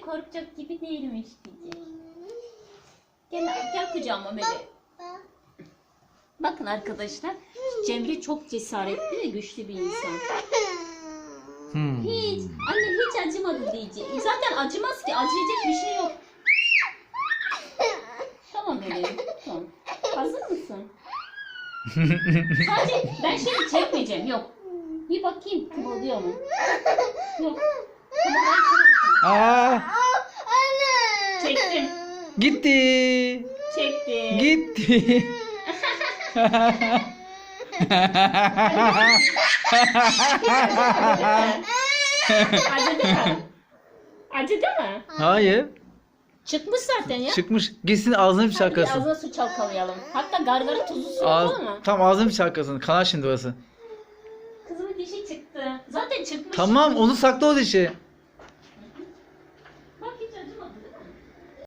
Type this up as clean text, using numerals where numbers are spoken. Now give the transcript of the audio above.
korkacak gibi değilmiş diyecek. Gel kucağıma Melek. Bakın arkadaşlar, Cemre çok cesaretli ve güçlü bir insan. Hiç, anne hiç acımadı diyecek. Zaten acımaz ki, acıyacak bir şey yok. Tamam Melek, tamam. Hazır mısın? Sadece ben şimdi çekmeyeceğim, yok. Bir bakayım, kıvılıyor mu? Yok. Aa, Çektim. gitti. Çektim. Gitti. Acıdı mı? Acıdı mı? Hayır. Çıkmış zaten ya. Çıkmış. Gitsin ağzını bir Hadi bir şarkasın. ağzına su çalkalayalım. Hatta gargara tuzlu su yapalım mı? Tam ağzını bir şarkasın. Kanar şimdi orası. Kızımın dişi çıktı. Zaten çıkmış. Tamam onu sakla o dişi.